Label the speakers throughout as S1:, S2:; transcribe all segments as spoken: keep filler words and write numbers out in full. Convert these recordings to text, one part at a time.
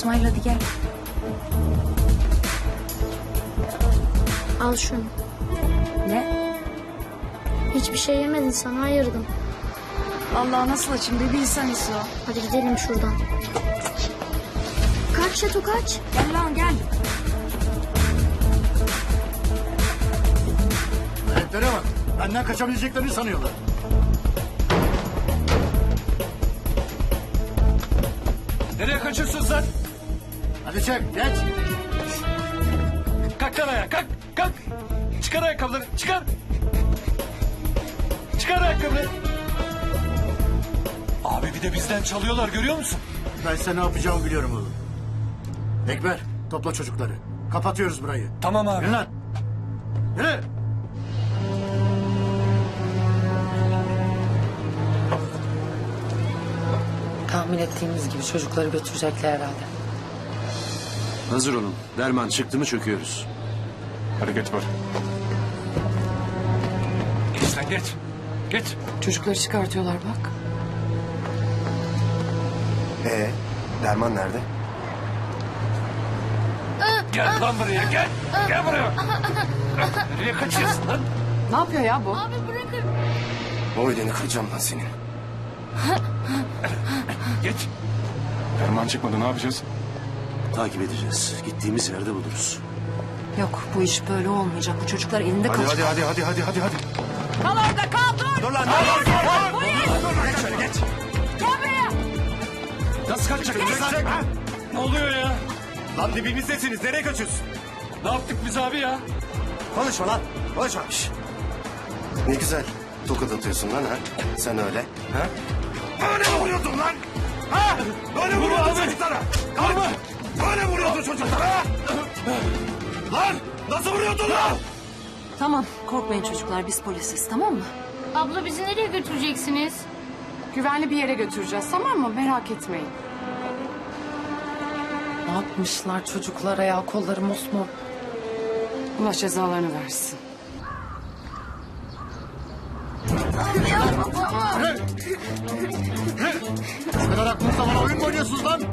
S1: İsmail hadi gel.
S2: Al şunu.
S1: Ne?
S2: Hiçbir şey yemedin, sana ayırdım.
S1: Allah nasıl açayım bir bilsen İso.
S2: Hadi gidelim şuradan. Kaç Şato kaç.
S1: Gel lan gel.
S3: Hareketlere bak. Benden kaçabileceklerini sanıyorlar.
S4: Nereye kaçıyorsun sen?
S3: Hadi çek, geç.
S4: Kalk lan ayağa, kalk, kalk. Çıkar ayakkabıları, çıkar. Çıkar ayakkabıları. Abi bir de bizden çalıyorlar, görüyor musun?
S3: Ben size ne yapacağımı biliyorum oğlum. Ekber, topla çocukları. Kapatıyoruz burayı.
S4: Tamam abi.
S3: Yürü lan. Yürü.
S5: Tahmin ettiğimiz gibi çocukları götürecekler herhalde.
S6: Hazır olun. Derman çıktı mı çöküyoruz.
S4: Hareket var. Geç lan geç. Geç.
S5: Çocukları çıkartıyorlar bak.
S7: Ee, Derman nerede?
S4: Gel lan buraya, gel. Gel buraya. Nereye kaçıyorsun lan?
S5: Ne yapıyor ya bu?
S7: Boynunu kıracağım lan senin.
S4: Geç. Ferman çıkmadı, ne yapacağız?
S6: Takip edeceğiz. Gittiğimiz yerde buluruz.
S1: Yok bu iş böyle olmayacak. Bu çocuklar elinde
S7: Hadi
S1: kalacak.
S7: hadi hadi hadi hadi hadi hadi.
S1: Kal orada kal dur.
S7: Dur lan dur dur dur. Dur geç şöyle geç.
S1: Gel buraya.
S7: Nasıl kaçacaksın sen? Ha?
S4: Ne oluyor ya?
S7: Lan dibimizdesiniz nereye kaçıyorsun?
S4: Ne yaptık biz abi ya?
S7: Konuşma lan konuşma. Şş. Ne güzel tokat atıyorsun lan ha. Sen öyle. Ha? Böyle mi vuruyordun lan? Ha? Böyle mi vuruyordun çocuklara? Lan böyle mi vuruyordun çocuklara? Ha? Lan nasıl vuruyordun lan?
S1: Tamam korkmayın çocuklar biz polisiz tamam mı?
S2: Abla bizi nereye götüreceksiniz?
S5: Güvenli bir yere götüreceğiz tamam mı? Merak etmeyin. Ne yapmışlar çocuklara ya, kolları mosmor. Allah cezalarını versin.
S3: Bu kadar aklınızda bana oyun mu oynuyorsunuz lan?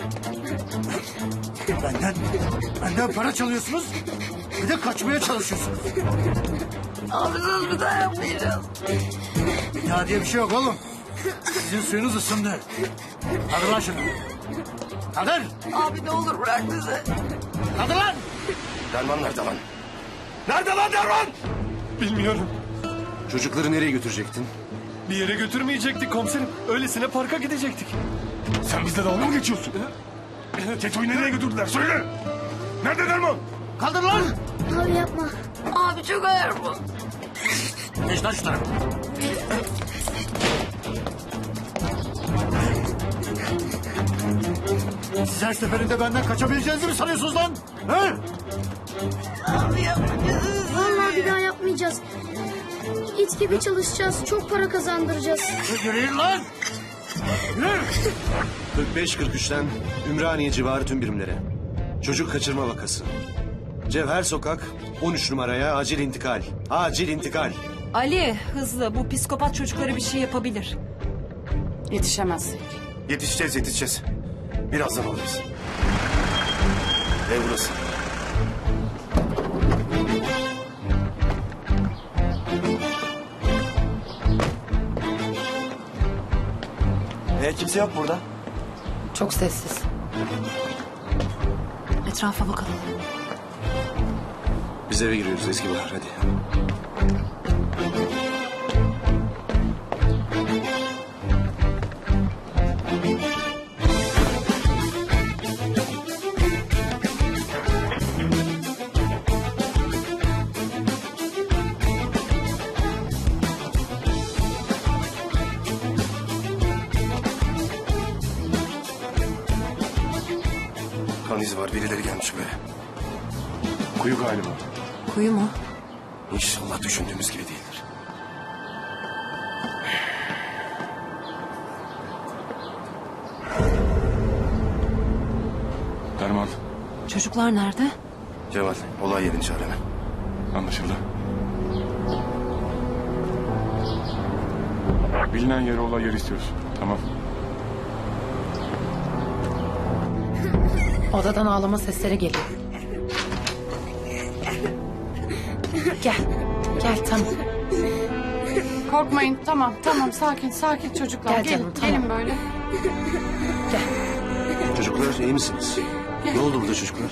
S3: Benden, benden para çalıyorsunuz. Bir de kaçmaya çalışıyorsunuz.
S1: Abi söz bir daha yapmayacağız.
S3: Bir daha diye bir şey yok oğlum. Sizin suyunuz ısındı. Hadi lan şunu. Kaldır.
S1: Abi ne olur bırak bizi.
S3: Kaldır lan.
S7: Derman nerede lan? Nerede lan Derman?
S4: Bilmiyorum.
S6: Çocukları nereye götürecektin?
S4: Bir yere götürmeyecektik komiserim. Öylesine parka gidecektik.
S8: Sen bizle dalga mı geçiyorsun? Teto'yu nereye götürdüler? Söyle! Nerede Derman?
S3: Kaldır lan.
S2: Abi yapma.
S1: Abi çok ağır bu.
S3: Geç lan şu tarafa. Siz her seferinde benden kaçabileceğinizi mi sanıyorsunuz lan? He?
S2: Vallahi bir daha yapmayacağız. İt gibi çalışacağız. Çok para kazandıracağız.
S3: Yürüyün lan. Yürü.
S6: kırk beş kırk üçten Ümraniye civarı tüm birimlere. Çocuk kaçırma vakası. Cevher Sokak on üç numaraya acil intikal. Acil intikal.
S1: Ali hızlı bu psikopat çocuklara bir şey yapabilir.
S5: Yetişemez.
S7: Yetişeceğiz yetişeceğiz. Birazdan alırız. Ev burası.
S9: E, kimse yok burada.
S5: Çok sessiz.
S1: Etrafa bakalım.
S6: Biz eve giriyoruz Ezgi Bahar hadi.
S7: Kan izi var birileri gelmiş böyle.
S8: Kuyu galiba.
S1: Kuyu mu?
S7: İnşallah düşündüğümüz gibi değildir.
S8: Derman.
S1: Çocuklar nerede?
S7: Cemal olay yerini çağır hemen.
S8: Anlaşıldı. Bilinen yere olay yeri istiyoruz. Tamam.
S5: Odadan ağlama sesleri geliyor. Gel. Gel tamam. Korkmayın tamam tamam sakin sakin çocuklar. Gel gelin, canım, tamam. Gelin böyle.
S6: Çocuklar iyi misiniz? Ne oldu burada çocuklar?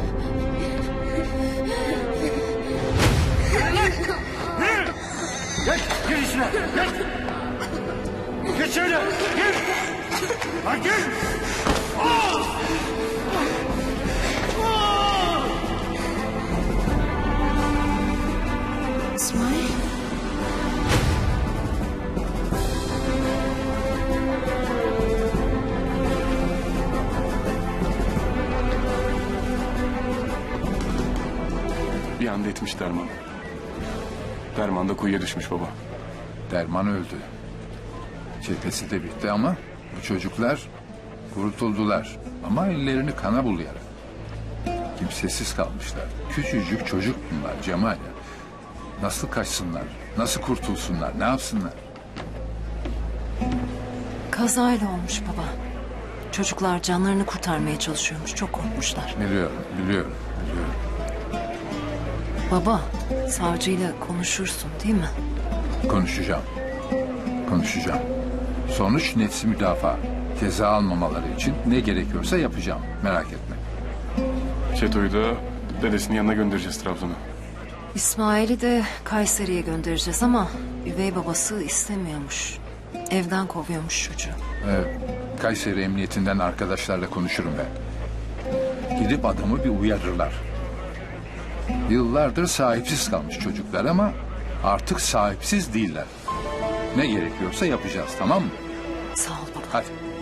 S3: Geç, gir içine. Geç. Geç şöyle. Gir. Lan gir.
S5: İsmail.
S8: Bir anda etmiş Derman. Derman da kuyuya düşmüş baba.
S10: Derman öldü. Cephesi de bitti ama bu çocuklar kurtuldular. Ama ellerini kana bulayarak. Kimsesiz kalmışlar. Küçücük çocuk bunlar Cemal. Nasıl kaçsınlar? Nasıl kurtulsunlar? Ne yapsınlar?
S1: Kazayla olmuş baba. Çocuklar canlarını kurtarmaya çalışıyormuş. Çok korkmuşlar.
S10: Biliyorum, biliyorum, biliyorum.
S1: Baba, savcıyla konuşursun değil mi?
S10: Konuşacağım. Konuşacağım. Sonuç nefsi müdafaa. Ceza almamaları için ne gerekiyorsa yapacağım. Merak etme.
S8: Çeto'yu da dedesinin yanına göndereceğiz Trabzon'a.
S1: İsmail'i de Kayseri'ye göndereceğiz ama üvey babası istemiyormuş. Evden kovuyormuş çocuğu.
S10: Evet, Kayseri Emniyetinden arkadaşlarla konuşurum ben. Gidip adamı bir uyarırlar. Yıllardır sahipsiz kalmış çocuklar ama artık sahipsiz değiller. Ne gerekiyorsa yapacağız, tamam mı?
S1: Sağ ol baba.
S10: Hadi.